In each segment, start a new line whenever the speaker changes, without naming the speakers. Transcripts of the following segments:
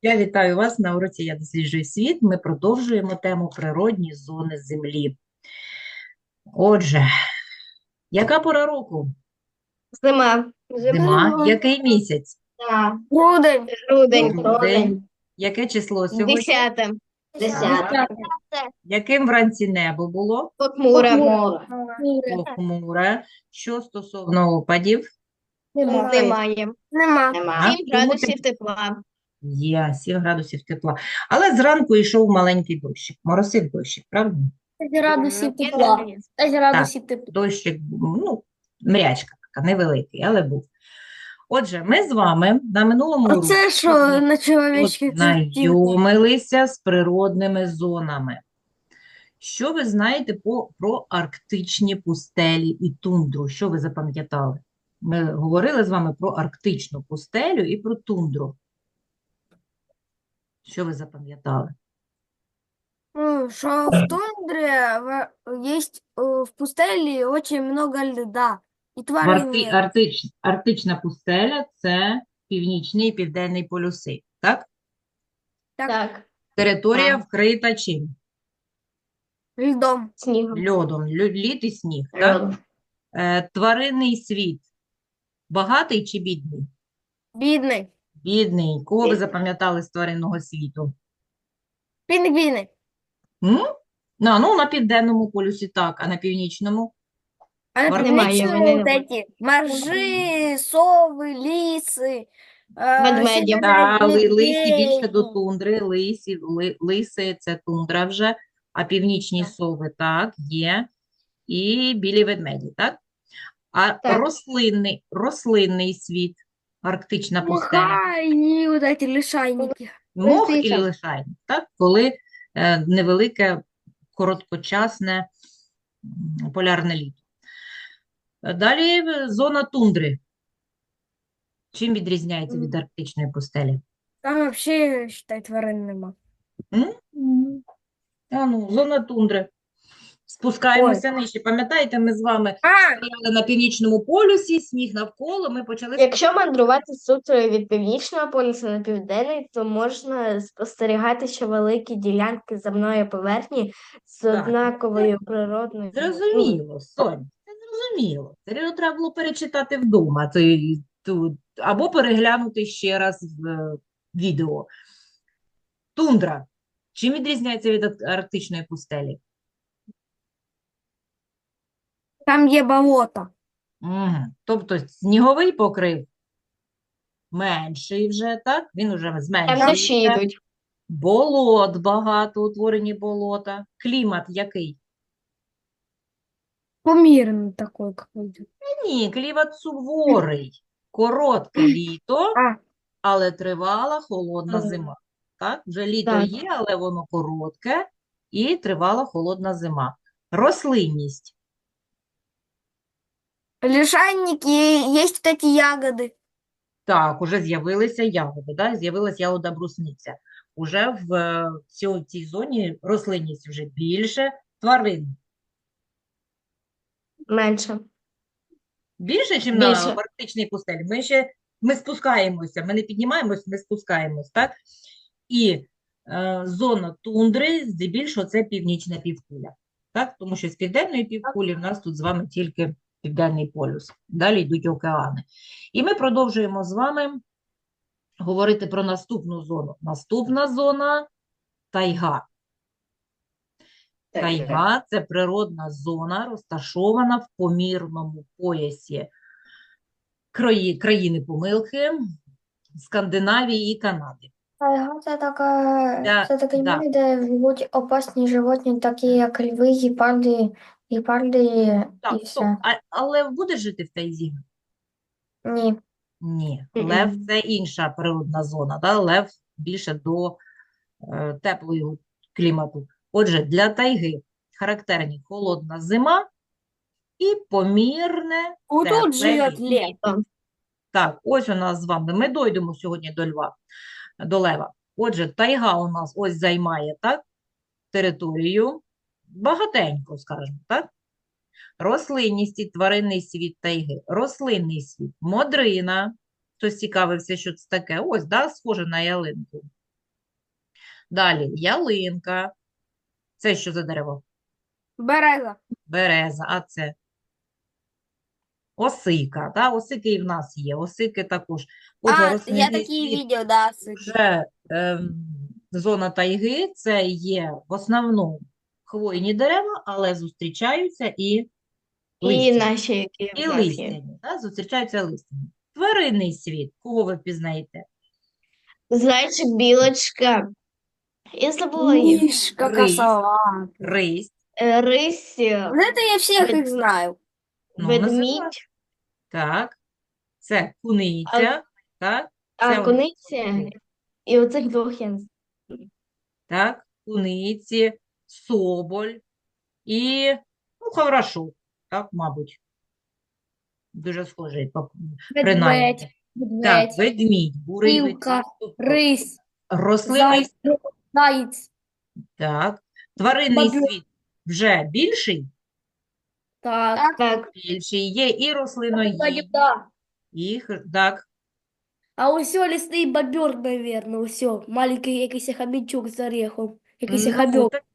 Я вітаю вас на уроці «Я досліджую світ». Ми продовжуємо тему природні зони Землі. Отже, яка пора року?
Зима.
Зима. Який місяць?
Да.
Грудень.
Грудень.
Грудень. Яке число сьогодні?
10.
Так. Яким вранці небо було?
Похмуре.
Похмуре. Що стосовно опадів?
Немає.
Нема.
7 градусів тепла.
Є 7 градусів тепла. Але зранку йшов маленький дощик. Моросив дощик, правда?
5 градусів тепла. 5 градусів тепла.
Дощик, мрячка така, невеликий, але був. Отже, ми з вами на минулому уроці
Оце що на чоловічки
знайомилися з природними зонами. Що ви знаєте про арктичні пустелі і тундру? Що ви запам'ятали? Ми говорили з вами про арктичну пустелю і про тундру. Що ви запам'ятали?
Ну, що в тундрі є в пустелі дуже много льда. І тварин нет.
Арктична пустеля – це північний і південний полюси, так?
Так.
Територія
Так.
вкрита чим?
Льдом.
Снігом.
Льодом, лід і сніг, так? Тваринний світ багатий чи бідний?
Бідний.
Бідний. Кого ви запам'ятали з тваринного світу?
Пінгвіни.
На південному полюсі так, а на північному?
А на
Немає,
північному
вони
вот
немає.
эти моржи, сови, ліси,
Ведмеді.
Лисі більше до
медведі.
тундри, лиси – це тундра вже, а північні сови, так, є, і білі ведмеді, так? А
Так.
рослинний світ, арктична пустеля,
Мха і вот эти лишайники.
мох і
Лисиця.
лишайник, так? Коли невелике, короткочасне полярне літо. Далі зона тундри. Чим відрізняється від арктичної пустелі?
Там вообще, считай, тварин нема.
Зона тундри. Спускаємося нижче. Пам'ятаєте, ми з вами стояли на північному полюсі, сніг навколо, ми почали
Якщо мандрувати суто від північного полюсу на південний, то можна спостерігати, що великі ділянки земної поверхні з
Так.
однаковою природною.
Зрозуміло, Сонь, це зрозуміло. Це треба було перечитати вдома, або переглянути ще раз відео. Тундра. Чим відрізняється від арктичної пустелі?
Там є болото.
Тобто сніговий покрив менший вже, так? Він вже
Там дощі
зменшується.
йдуть.
Болот багато, утворені болота. Клімат який?
Помірний такий какой-то.
Ні, клімат суворий. Коротке літо, але тривала холодна зима. Так? Вже літо
Так.
є, але воно коротке і тривала холодна зима. Рослинність.
Лишайники, є вот эти ягоди.
Так, уже з'явилися ягоди, да? З'явилась ягода брусниця. Уже в цій зоні рослинність вже більше, тварин.
Менше.
Більше, ніж
Більше.
на арктичній пустелі. Ми спускаємося, ми не піднімаємось, ми спускаємось, так? І зона тундри, здебільшого, це північна півкуля. Так? Тому що з південної півкулі в нас тут з вами тільки південний полюс. Далі йдуть океани. І ми продовжуємо з вами говорити про наступну зону. Наступна зона – тайга. Тайга – це природна зона, розташована в помірному поясі країни помилки, Скандинавії і Канади.
Тайга це таке
Да.
місце, де живуть опасні животні, такі як льви, гепарди
Так,
і
стоп.
все.
Але будеш жити в тайзі?
Ні.
Ні. Лев – це інша природна зона. Да? Лев більше до теплого клімату. Отже, для тайги характерні холодна зима і помірне
Вот
тепле
тут живет
літо.
лев.
Так, ось у нас з вами. Ми дойдемо сьогодні до лева. Отже, тайга у нас ось займає, так, територію. Багатенько, скажімо, так? Рослинність і тваринний світ тайги. Рослинний світ. Модрина. Хтось цікавився, що це таке. Ось, да, схоже на ялинку. Далі ялинка. Це що за дерево?
Береза.
Береза, а це осика. Да? Осики і в нас є. Осики також. Отже,
Я
рослинний
такие
світ
видел, да,
вже зона тайги, це є в основному хвойні дерева, але зустрічаються і
І
листяні.
наші, які
І
в нас є.
листяні, да? Зустрічаються листяні. Тваринний світ, кого ви впізнаєте?
Зайчик, білочка. Я забула їх.
Мишка,
Рысь.
косолапый.
Рись,
Рись,
Вот это я всех
Вед-
их знаю.
ну, називай.
ведмідь,
Так, це куниця, так, це у нас
куниця.
куниця.
І оцих двох я не знаю.
Так, куниці, соболь і, ну, хаврашок, так, мабуть. Дуже схожий, принаймні. Так, ведмідь, бурий
Білка,
ведмідь. Тобто
рысь,
рослинний,
заяц.
так, тваринний
бобер.
світ вже більший,
Так.
Так,
більший, є і рослиноїдні,
Да.
і, так,
А усё лесный бобер, наверное, усё. Маленький якийсь хомячок з орехом. Якийсь
ну,
хомяк.
так,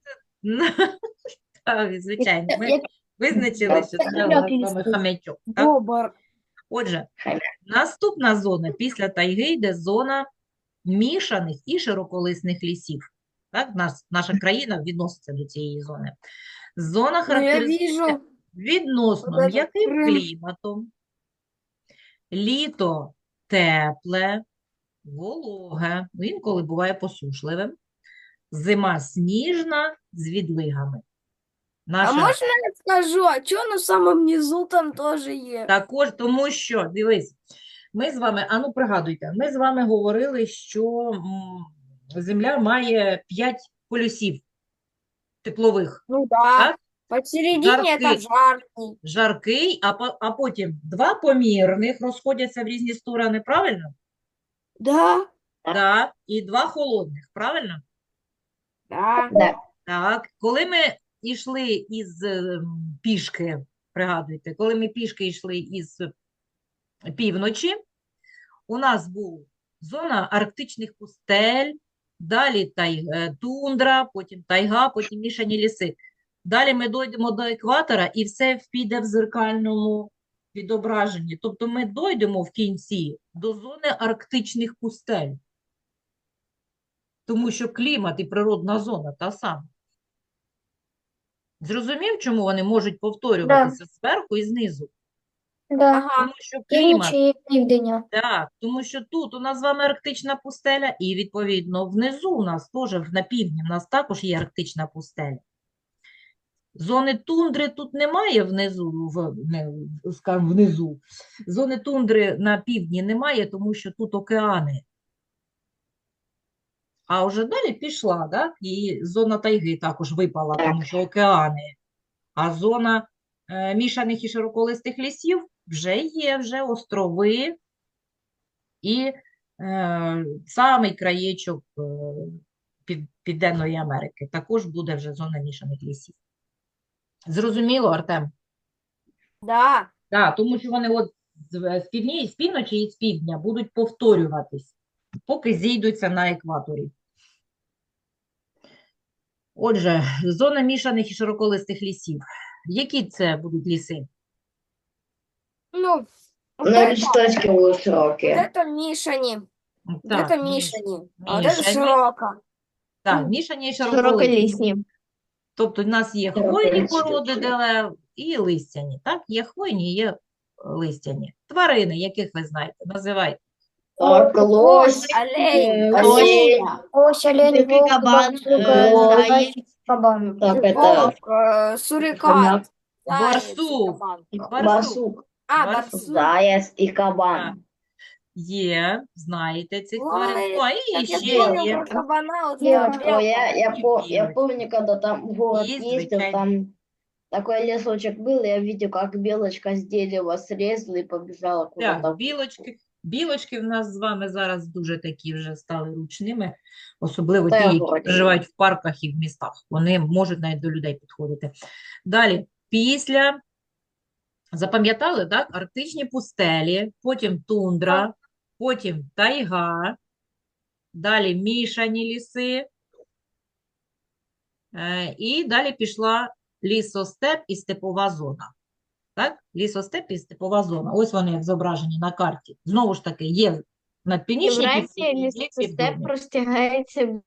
так, звичайно, ми
Як
визначили, що це у
хомяк
нас з вами
лісний.
хомячок, так?
бобр.
Отже,
Хомяк.
наступна зона після тайги йде зона мішаних і широколисних лісів. Так, наша країна відноситься до цієї зони. Зона
Ну, я
характеризується
вижу.
відносно
Вот это
м'яким
Крим.
кліматом, літо тепле, вологе, інколи буває посушливим, зима сніжна з відлигами.
А
Наша
можно я скажу, а что на самом низу там тоже есть?
також, тому що, дивись, ми з вами, ану пригадуйте, ми з вами говорили, що Земля має 5 полюсів теплових.
Ну да.
Так?
Посередине это
Жаркий.
жаркий.
Жаркий, а потім 2 помірних розходяться в різні сторони, правильно?
Да.
Так. І 2 холодних, правильно?
Да.
Да.
Так. Коли ми йшли із пішки, пригадуйте, коли ми пішки йшли із півночі, у нас була зона арктичних пустель, далі тундра, потім тайга, потім мішані ліси. Далі ми дійдемо до екватора і все піде в зеркальному відображенні. Тобто ми дійдемо в кінці до зони арктичних пустель. Тому що клімат і природна зона та сама. Зрозумів, чому вони можуть повторюватися зверху і знизу?
Да.
Ага.
Тому що клімат
Північ і південня.
Так, тому що тут у нас з вами арктична пустеля, і, відповідно, внизу у нас теж, на півдні, у нас також є арктична пустеля. Зони тундри тут немає скажімо, внизу. Зони тундри на півдні немає, тому що тут океани. А вже далі пішла, так? І зона тайги також випала, тому що океани. А зона мішаних і широколистих лісів вже є, вже острови. І самий краєчок Південної Америки також буде вже зона мішаних лісів. Зрозуміло, Артем?
Да.
Так, тому що вони от з півночі і з півдня будуть повторюватись, поки зійдуться на екваторі. Отже, зона мішаних і широколистих лісів. Які це будуть ліси?
Ну, вот
Ну,
это,
листочки будуть
вот
широкі.
это Мишани. Вот
Так,
это Мишани. А вот это
мішані.
широко.
Так, мішані і широколисті.
Широколісні.
Тобто в нас є
Широколисті
хвойні породи
такі.
дерев і листяні. Так, є хвойні, є листяні. Тварини, яких ви знаєте, називайте.
Так, лось,
Олень,
олень,
козуля,
Ось олень,
Дикий
вовк,
кабан,
барсук,
заєць.
зайчик, кабан.
так, это
волк, сурикат,
хомяк,
заяц,
Барсук.
кабан.
Барсук.
А,
Барсук.
барсук.
заяць і
Так.
кабан.
Є, знаєте цих
Ой,
тварин. Ну, а і
Так я
ще
помню
є.
про кабана, вот
Я-
этого
О,
белого.
я помню, когда там в город
Есть,
ездил,
звичайно.
там такой лесочек был, я видел, как белочка с дерева срезала и побежала куда-то.
Так, білочки в нас з вами зараз дуже такі вже стали ручними, особливо ті,
Та,
які
вроді.
проживають в парках і в містах. Вони можуть навіть до людей підходити. Далі, запам'ятали, так? Арктичні пустелі, потім тундра, потім тайга, далі мішані ліси, І далі пішла лісостеп і степова зона. Так? Лісостеп і степова зона. Ось вони як зображені на карті. Знову ж таки, є на північній
Євразія
півкулі, є
лісостеп
південній.
простягається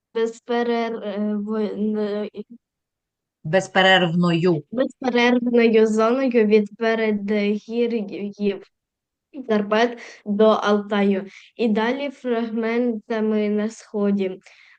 Безперервною.
безперервною зоною від передгір'їв Карпат до Алтаю і далі фрагментами на сході.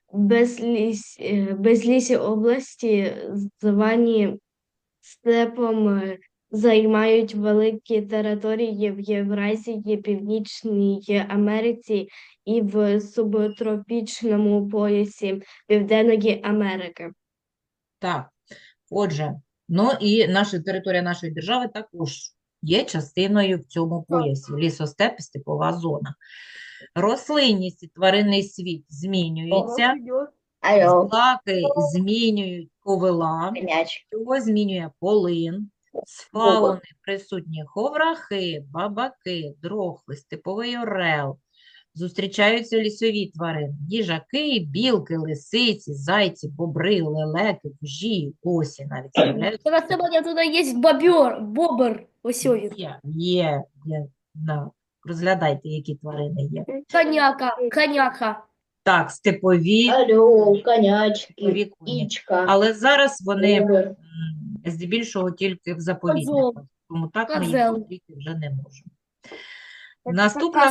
Безлісі області, звані степом, займають великі території в Євразії, Північній Америці і в субтропічному поясі Південної Америки.
Так, отже, ну і територія нашої держави також є частиною в цьому поясі. Лісостеп і степова зона. Рослинність і тваринний світ змінюються,
Алло,
злаки змінюють ковила,
мяч.
його змінює полин, з фауни присутні ховрахи, бабаки, дрохви, степовий орел. Зустрічаються лісові тварини, їжаки, білки, лисиці, зайці, бобри, лелеки, вужі, осі навіть з'являються.
Зараз сегодня туда есть бобр, ось він.
Є, да. Розглядайте, які тварини є.
Коняка.
Так, степові,
Алло, конячки,
степові коні.
ічка,
Але зараз вони
кури.
здебільшого тільки в заповідниках,
Козел.
тому так ми їх
Козел.
зустріти вже не можемо. Наступна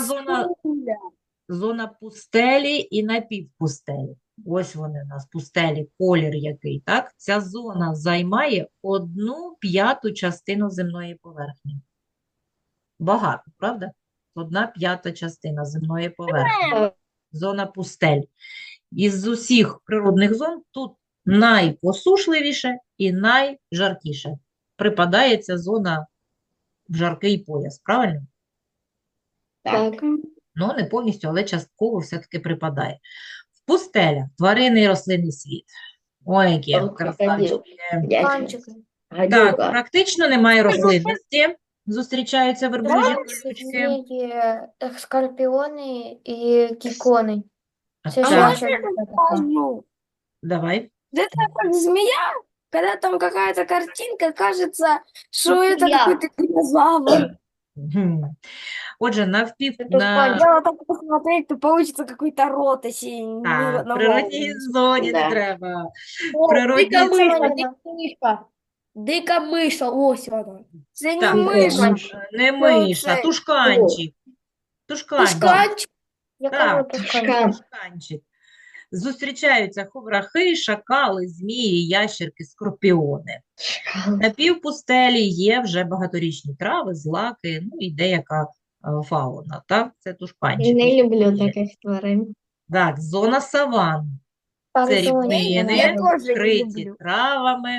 зона пустелі і напівпустелі. Ось вони у нас, пустелі, колір який, так? Ця зона займає 1/5 частину земної поверхні. Багато, правда? 1/5 частина земної поверхні. Зона пустель. Із усіх природних зон тут найпосушливіше і найжаркіше. Припадає ця зона в жаркий пояс, правильно?
Так.
Ну, не повністю, але частково все-таки припадає. В пустелях тваринний і рослинний світ. Ой, які
Крокодил.
красавчики.
Дячник.
Так,
Гадюка.
практично немає рослинності. Зустрічаються верблюжі колючки.
Скорпіони і кікони. Це
Так,
що
Можно я скажу?
давай.
Это как змея, когда там какая-то картинка, кажется, что это
Змея.
какой-то динозавр.
Мгм. Отже,
Дело так посмотреть, то получится какой-то рот, если
Так, в
на
природній
голову.
зоні не
Да.
треба.
О,
Природні
дика
зони.
миша. Дика миша, ось вона.
Это
Так,
не мышь,
не миша,
це-
тушканчик. Тушканчик.
Тушканчик.
Так,
Тушкан.
тушканчик. Зустрічаються ховрахи, шакали, змії, ящерки, скорпіони. На півпустелі є вже багаторічні трави, злаки, ну і деяка фауна. Так, це тушканчик.
Не люблю
Є.
таких тварин.
Так, зона саван. Це рівнини,
Я тоже не
вкриті
люблю.
травами,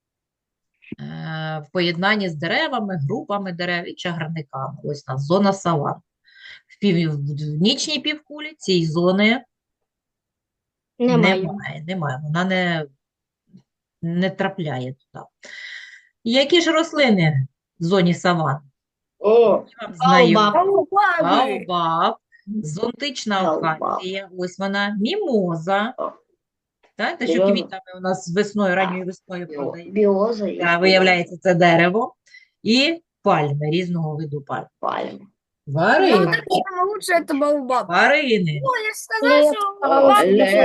в поєднанні з деревами, групами дерев і чагарниками. Ось у нас зона саван. В північній півкулі цієї зони
Немає.
немає. Вона не трапляє туди. Які ж рослини в зоні саван?
О,
Вам знайомі?
Бабы.
Баобаб, зонтична
Баобаб.
акація, ось вона, мімоза.
О.
Так, те, що
Береза.
квітами у нас весною, ранньою весною продають.
біоза і
Виявляється, це дерево. І пальми, різного виду пальм.
пальма.
Тварини.
Самое лучшее это баобаб.
Тварини.
Ой, я же сказала, что баобаб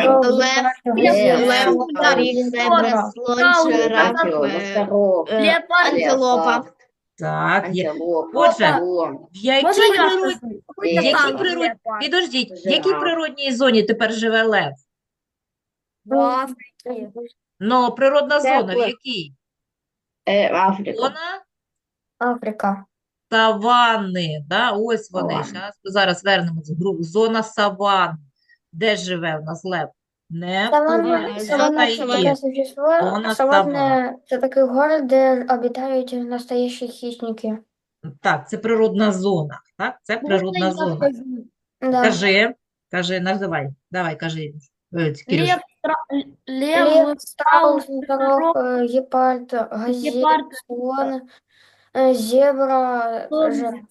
Лев, торік, зебра, слон, жираф, антилопа.
Так, є.
Антилопа.
Отже,
слон.
В якій
Можно я
природній...
скажу?
Який
Какой-то танк
природній-
леопард.
Підождіть, в якій
Жираф.
природній зоні тепер живе лев?
В Африке.
Ну, природна зона в
Тепле.
якій?
Африка.
Зона
Африка.
саванни, да? Ось вони.
Саванни.
Зараз вернемось в групу. Зона саван. Де живе у нас лев? Не в
Саванна,
Турції,
саванна
не
це
в
таке
Таїлі.
существо.
Вона
Саванна це такий город, де обитають настоящі хищники.
Так, це природна зона. Так, це природна зона.
Да.
Кажи, називай. Давай, кажи, Кирюш.
Лев,
страус,
страус,
носорог, гепард, газель,
гепард,
слон, зебра,
слон,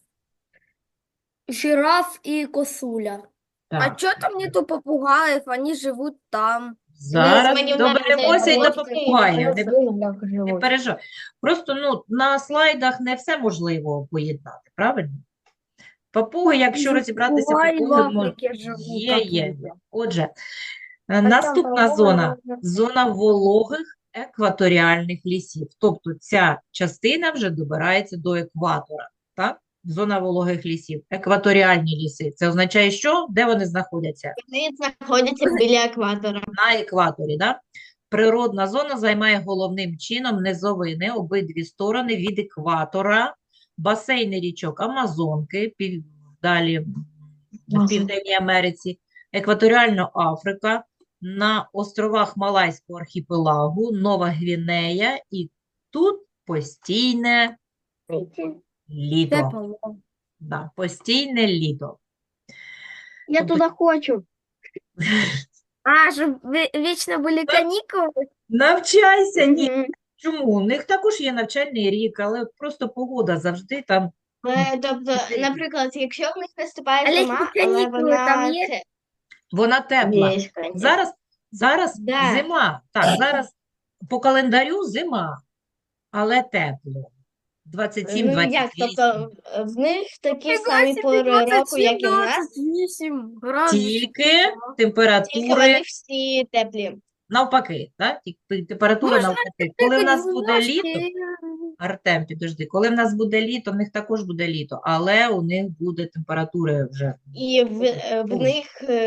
жираф и косуля.
Так,
А что там нету попугаев? Они живут там.
Зараз
мені
доберемося і до
навіть
попугаїв. Не
Як
Не
живуть.
переживай. Просто на слайдах не все можливо поєднати, правильно? Папуги, якщо розібратися,
Попугаи в
папуги
Африке живут,
є.
оттуда.
Отже,
там
наступна
папуги
зона
можна-
– зона вологих екваторіальних лісів. Тобто ця частина вже добирається до екватора, так? Зона вологих лісів. Екваторіальні ліси. Це означає що? Де вони знаходяться?
Вони знаходяться біля екватора.
На екваторі, да? Природна зона займає головним чином низовини обидві сторони від екватора, басейни річок Амазонки, далі в Південній Америці, екваторіальна Африка, на островах Малайського архіпелагу, Нова Гвінея, і тут постійне літо.
Тепло.
Да, постійне літо.
Я
Тобто
туда хочу.
А, чтобы вечно были каникулы?
Навчайся, ні.
Мгм.
Чому? У них також є навчальний рік, але просто погода завжди там.
Тобто, наприклад, якщо в них наступає
А
зима,
літні
але
канікули там
вона
є?
це
Вона тепла.
Є, конечно.
Зараз
Да.
зима. Так, зараз по календарю зима, але тепло. 27,
Ну, як,
28.
тобто в них такі
Фига
самі
себе,
пори року,
27,
як і в нас,
28 градусов.
Тільки
тільки
температури
вони всі теплі.
навпаки. Так? Температура
Можна
навпаки. Коли в нас
Прыгать
буде
в
літо,
ложки.
Артем, підожди, коли в нас буде літо, в них також буде літо, але у них буде температури вже.
І в них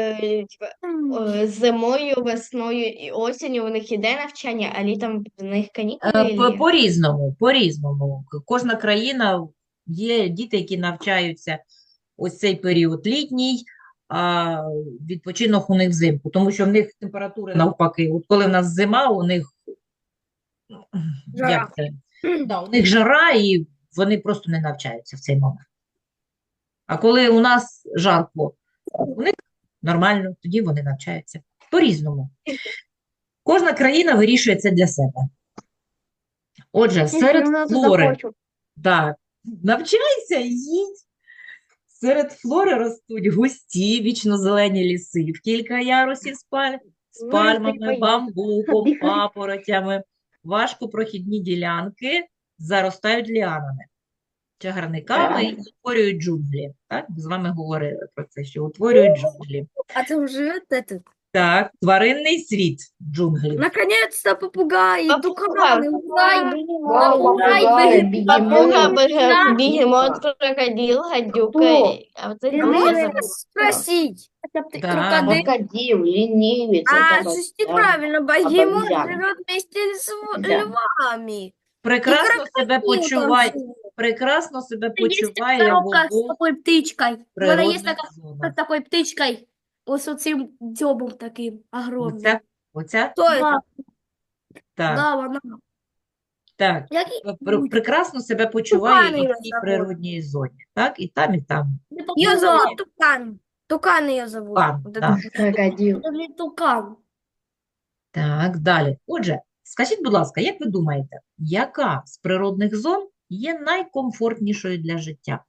зимою, весною і осінню у них іде навчання, а літом в них канікули.
По-різному. Кожна країна, є діти, які навчаються ось цей період літній, а відпочинок у них взимку, тому що в них температури навпаки. От коли в нас зима, у них
Жара.
як це? Да, у них жара, і вони просто не навчаються в цей момент. А коли у нас жарко, у них нормально, тоді вони навчаються. По-різному. Кожна країна вирішує це для себе. Отже, серед
Я туда
флори,
хочу.
так, навчайся, їдь. Серед флори ростуть густі, вічнозелені ліси в кілька ярусів з
Ну,
пальмами,
поїхали.
бамбуком,
Дихай.
папоротями. Важкопрохідні ділянки заростають ліанами, чагарниками і утворюють джунглі. Так? Ми з вами говорили про це, що утворюють джунглі.
А там живет этот.
Так, тваринний світ джунглів.
Наконец-то попугаи,
Попугай.
туканы,
Попугай,
Папуга,
бегемот.
бігемот, крокодил, гадюка.
Хто?
А це
А
я
можно
забула.
спросить?
Да.
Крокодил.
Крокодил, ленивец.
А,
это вот,
слушайте,
да.
правильно, богемот
обезьяна.
живет вместе с
Да.
львами.
Прекрасно себе
крокодил там
почуває,
живет.
прекрасно себе
Есть
почуває
коробка
в
с
обох
такой птичкой. Вона є
природних
така з
зонах.
такою птичкою. Ось оцим дзьобом таким огромним.
Оця?
Кто это?
Да,
Так,
да, вона.
так.
Який
Прекрасно себе почуває
Тукани
і в
його
цій
зовут.
природній зоні. Так, і там, і там.
Не
Ее
попугай,
зовут Тукан. Тукан ее зовут.
Тукан,
Вот
да.
это.
Крокодил.
це не тукан.
Так, далі. Отже, скажіть, будь ласка, як ви думаєте, яка з природних зон є найкомфортнішою для життя?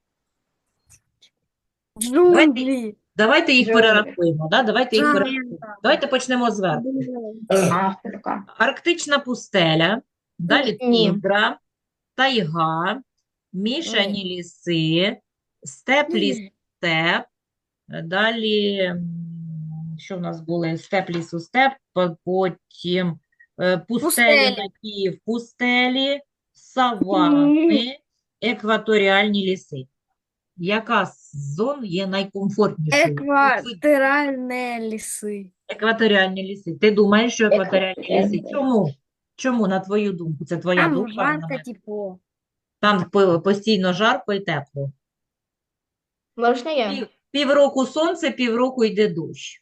Джунгли.
Давайте їх
Джунгли.
перерахуємо. Да? Давайте їх
Так.
перерахуємо. Давайте почнемо зверху.
Африка.
Арктична пустеля, далі
Ні.
тундра, тайга, мішані ліси, степ, ліс-степ, далі, що в нас були? Степ, лісу-степ, потім пустелі,
Пустелі.
напівпустелі, савани, екваторіальні ліси. Яка з зон є найкомфортнішою? От ви-
Экваториальные лесы.
Екваторіальні ліси. Ти думаєш, що екваторіальні ліси?
Екваторіальні.
Чому? Чому, на твою думку? Це твоя
Там
думка?
жарко,
вона-
тепло.
Там постійно жарко і тепло.
Можна я?
Півроку сонце, півроку йде дощ.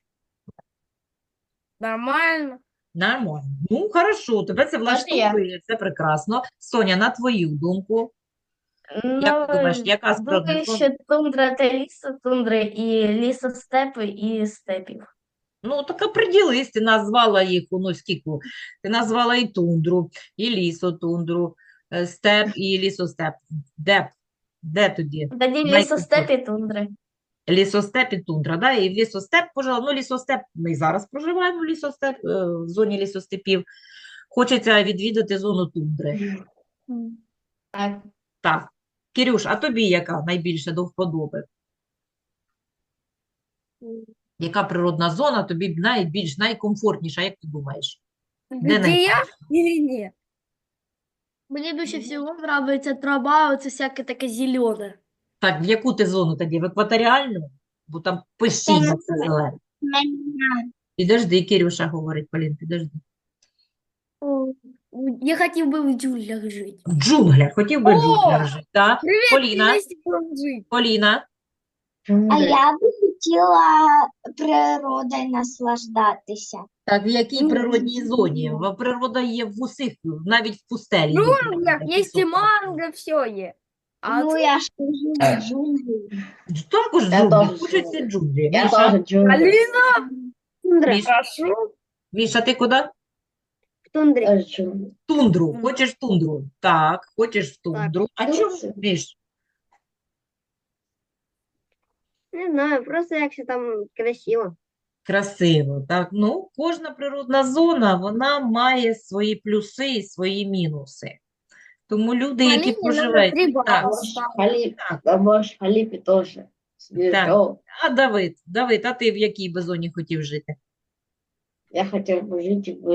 Нормально.
Нормально. Ну, хорошо, тебе це
Можна я?
влаштовує, це прекрасно. Соня, на твою думку,
Ну,
як ти думаєш, яка з
думаю,
природних зон?
що тундра та лісотундри, і лісостепи, і степів.
Ну, так оприділись, ти назвала їх, ну, скільки? Ти назвала і тундру, і лісотундру, степ і лісостеп. Де тоді?
Тоді лісостеп і тундри.
Лісостеп і тундра, да? І в лісостеп, пожалуй, ну лісостеп, ми і зараз проживаємо в лісостеп, в зоні лісостепів. Хочеться відвідати зону тундри.
Так.
Так. Кирюш, а тобі яка найбільше до вподоби? Яка природна зона тобі найбільш найкомфортніша, як ти думаєш? Де
Где я
найкраще?
или нет?
Мне больше всего нравится трава, вот всякое такое зеленое.
Так, в яку ти зону тоді? В екваторіальну? Бо там постійно все зелене. Підожди, Кирюша говорить, Полін, підожди.
Я хотел бы в джунглях жить.
В джунглях, хотів би в
О!
джунглях жити, так? Поліна,
Вместе будем жить.
Поліна,
А я би хотіла природою наслаждатися.
так, в якій природній зоні? Природа є в усіх, навіть в пустелі. є
В
природа,
джунглях
такі
есть и
супер.
манго, все есть. А
Ну, я ж кажу, в джунглі.
Також
Я
джунглі,
теж
хочуть всі джунглі.
Я
Міша,
тоже джунгли.
Алина,
Міш,
хорошо.
Міша, ти куди?
Тундре.
Тоже джунгли.
Тундру. Хочеш тундру? Так, хочеш в тундру. А
Ну,
чому,
це-
Міш?
Не знаю, просто як там красиво.
Красиво, так? Ну, кожна природна зона, вона має свої плюси і свої мінуси. Тому люди, які
Полине надо
проживають...
3
Так,
балла
Бурж
ставить.
Халиф,
так.
да, Бурж Халифе тоже. Звезда.
А Давид, а ти в якій би зоні хотів жити?
Я хотел бы жить в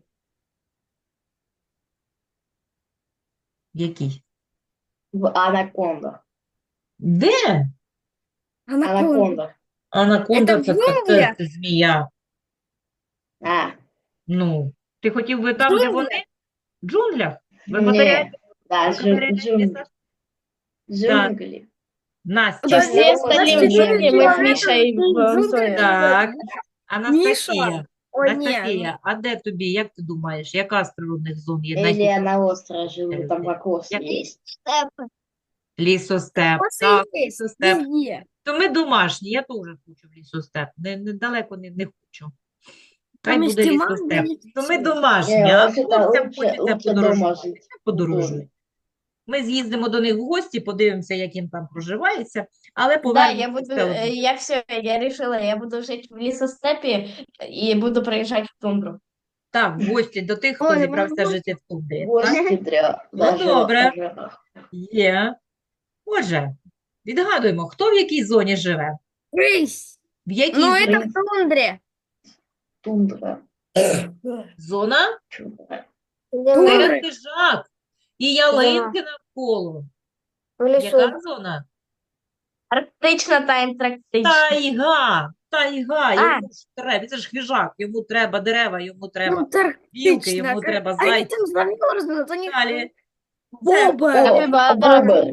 В якій?
анакондах.
Де?
Анаконда.
Анакондах.
Анаконда
Это в
це
джунглях?
змія.
А,
Ну, ти хотів би там, де
джунглях?
вони? В джунглях? В
не,
екваторіальних
да,
екваторіальних
джунгли.
лісах?
Джунгли.
Настя,
Подожди,
Подожди,
остальные
подожди,
джунгли мы с
подожди.
Мишей в зоне.
так. Анастасія,
Міша. О, ні.
Анастасія, а де тобі, як ти думаєш, яка з природних зон є
Или я
найкомфортніша?
на острове живу, там кокос
Я-
есть.
Лісостеп,
Просто
так,
есть
лісостеп.
везде.
То ми домашні, я теж хочу в лісостеп, недалеко не хочу. Хай
Там
буде
есть и манго,
лісостеп.
и
То ми
всё.
домашні,
Не,
а
лучше
хлопцям
лучше
хочеться
дома
подорожувати.
жить.
Подорожують. Ми з'їздимо до них в гості, подивимося, як їм там проживається, але
Да,
повернемося
я буду,
все одно.
я все, я решила, я буду жить в лесостепе и буду проезжать в тундру.
Так, в гості до тих, хто
Ой,
зібрався
мама,
жити в тундрі. Так?
Гости даже
добре.
даже
Є. Отже, відгадуємо, хто в якій зоні живе?
Рысь.
В якій
Ну,
зоні?
это в тундре.
тундра.
Зона?
Тундра.
Тундра.
Серед хижак і ялинки навколо.
В лісу.
Яка зона?
Арктична та антарктична.
Тайга, йому ж треба, це ж хижак, йому треба дерева, йому треба білки, йому
Антарктична.
треба
Они
зайці.
там замерзнут, они...
Далі.
Бобер.
О, бобр.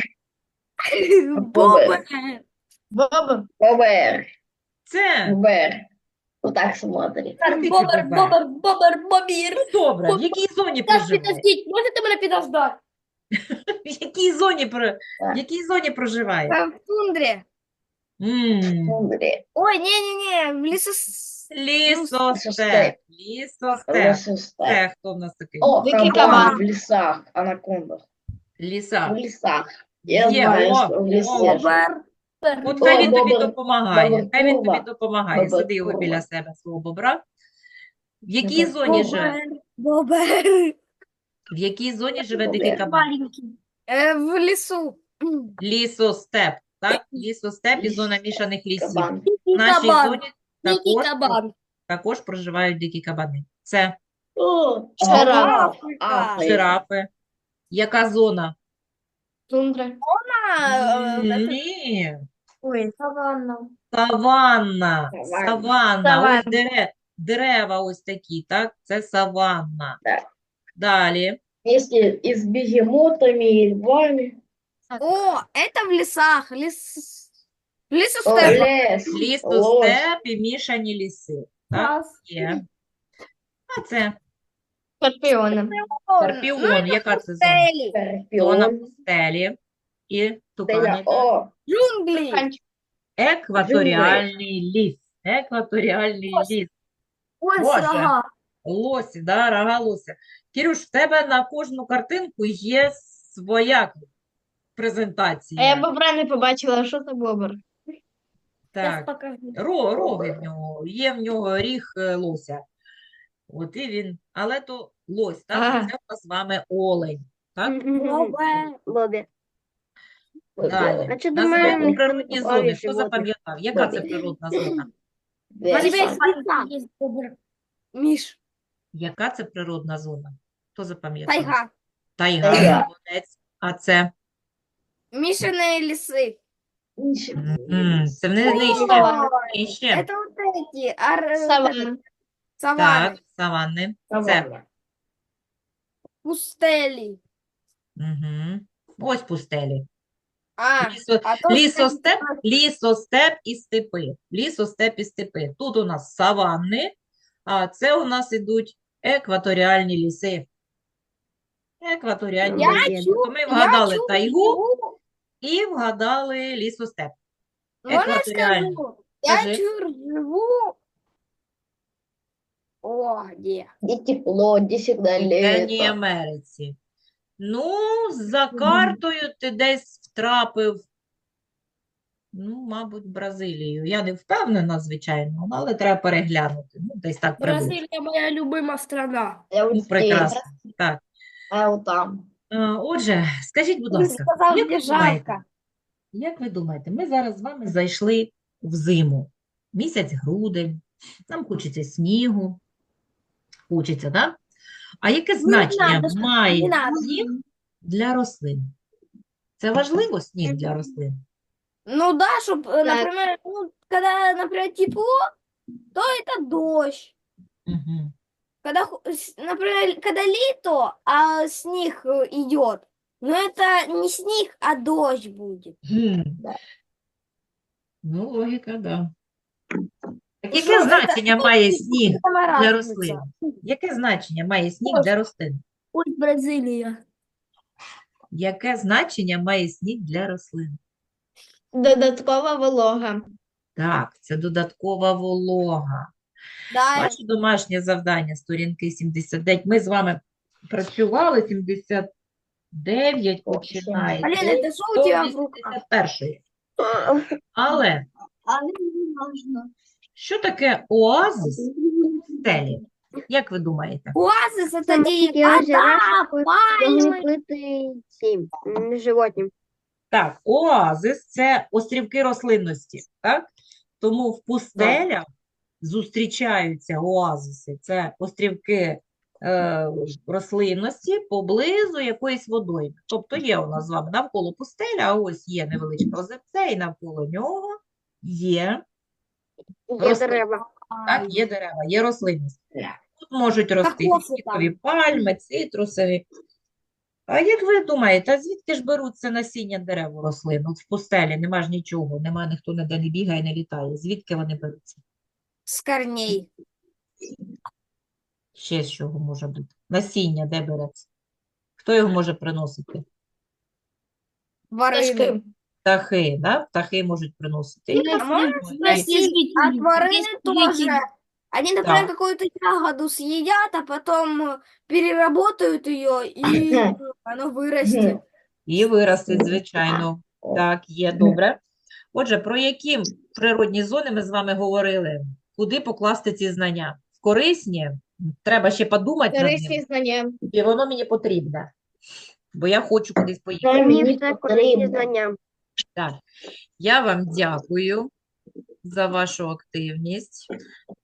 Бобер.
Боба.
Бобер.
Це
Бобер. Вот так смотри.
арктичний
Бобер,
бобер.
бобер, бобір.
Ну, добре, в якій зоні
Так,
проживає?
підождіть, можете мене підождати?
В якій зоні, в якій зоні проживає?
В тундре.
Тундре.
Ой, не-не-не, в лесу...
Лісостеп. Лісостеп.
Лесостеп.
Це хто в нас такий?
О,
Дикий
кабан
кабан.
в лесах, анакондах.
Ліса.
В лесах. Я
Є,
знаю,
о,
что в лесе.
Бобер.
От хай він тобі
бобер,
допомагає.
бобер,
Хай він тобі
курва.
допомагає.
Бобер,
Сади його
курва.
біля себе, свого бобра. В якій
Бобер.
зоні живе?
Бобер.
В якій зоні живе
Бобер.
дикий кабан?
Маленький.
В лесу.
Лісостеп. Так? Лісостеп і зона мішаних лісів.
Кабан.
В нашій
кабан.
зоні
Дикий
також,
кабан.
також проживають дикі кабани. Це
О,
Жираф.
Африка.
жирафи. Яка зона?
Тундра.
Ні.
Ой,
Саванна.
Саванна.
Саванна.
Саванна. Ось
Саванна.
дерева ось такі, так? Це саванна.
Так.
Далі.
Если и с бегемотами, и львами.
О, это в лесах. В лесу
О,
степа.
лес, лось.
Лісостеп і мішані ліси. Так, є. А це
Скорпіоном.
скорпіон. Яка це зона?
Стели.
Зона
Скорпион.
пустелі. І
Теля.
тукани.
О,
Джунгли.
Екваторіальний ліс. Екваторіальний ліс.
Ой,
Боже.
рога.
Лосі, да, рога лося. Кірюш, в тебе на кожну картинку є своя
А я
презентація.
бобра не побачила, що це бобр?
Так,
покажу.
роги в нього, є в нього ріг лося. От і він, але то лось, так?
Ага.
Це у нас з вами олень, так?
Лобе.
Далі.
А чи до мене
Називаємо
ніхто не
природні
попав
зони.
із
Хто
животних?
запам'ятав? Яка це
Добре.
природна зона?
У тебя есть
Веса.
леса? Миш,
Яка це природна зона? Хто запам'ятав?
тайга.
Тайга,
Тайга.
молодець. А це?
Мишиные лесы.
Це не нижче.
Саванна.
Нижче.
Это вот эти,
Саванна.
саванны,
Так, саванни. Це.
Саванна.
пустели.
Угу. Ось пустелі.
А,
Лісо-
а то
Лісостеп і степи. Лісостеп і степи. Тут у нас саванни, а це у нас ідуть екваторіальні ліси. Екваторіальні
Я
ліси. Тобто ми
я
вгадали
чую,
тайгу і вгадали лісостеп.
можно я
Екваторіальні.
скажу? Я
Скажи.
живу. О, где?
Где тепло, где всегда
В Південній
лето.
Америці. Ну, за картою ти десь втрапив, ну, мабуть, Бразилію. Я не впевнена, звичайно, але треба переглянути. Ну, десь так приблизно.
Бразилия моя любимая страна.
Я вот
Ну,
здесь,
прекрасно. Так.
а я вот там.
Отже, скажіть, будь
Ты
ласка,
сказал,
як
мне
ви думаєте,
жалко.
як ви думаєте, ми зараз з вами зайшли в зиму, місяць грудень, нам хочеться снігу, хочеться, так? А яке значення
надо, щоб-
має
не надо.
сніг для рослин? Це важливо, сніг для рослин?
Ну да, чтобы, например, ну, когда, например, тепло, то это дождь.
Угу.
Когда, например, когда лето, а снег идет, но это не снег, а дождь будет.
Ну, логіка, да. Так
Ну,
яке
що,
значення має сніг
Сама
для
разница.
рослин? Яке значення має сніг для рослин?
Ой, Бразилия.
Яке значення має сніг для рослин?
Додаткова волога.
Так, це додаткова волога.
Да,
Ваше домашнє завдання, сторінки 79. Ми з вами працювали 79, починається.
Полина, это что у тебя в руках?
81. Але що таке оазис в стелі? Як ви думаєте?
Оазис это
Маленькие
где
озера,
вода, пальмы.
закрытые цим, животным.
Так, оазис – це острівки рослинності, так? Тому в пустелях зустрічаються оазиси. Це острівки рослинності поблизу якоїсь водойми. Тобто є у нас з вами навколо пустеля, а ось є невеличке озерце, і навколо нього є
Дерева.
Так, є дерева, є рослинність. Тут можуть рости
Кокоси
фінікові пальми, цитрусові. А як ви думаєте, а звідки ж беруться насіння дерев у рослин? От в пустелі нема ж нічого, нема ніхто ніде не бігає, не літає. Звідки вони беруться?
С корней.
Ще з чого може бути? Насіння де береться? Хто його може приносити?
Ворыны.
Птахи, да? Птахи можуть приносити. І
А можно
рослини, і-
спросить, а ворыны тоже, они, например,
Да.
какую-то ягоду съедят, а потом переработают ее, и оно вырастет.
І виростить, звичайно. Так, є, добре. Отже, про які природні зони ми з вами говорили? Куди покласти ці знання? В корисні? Треба ще подумати над
Корисні
ним.
знання.
І воно мені потрібне, бо я хочу кудись поїхати.
Мені
Мені все корисні
потрібно.
знання.
Так, я вам дякую за вашу активність.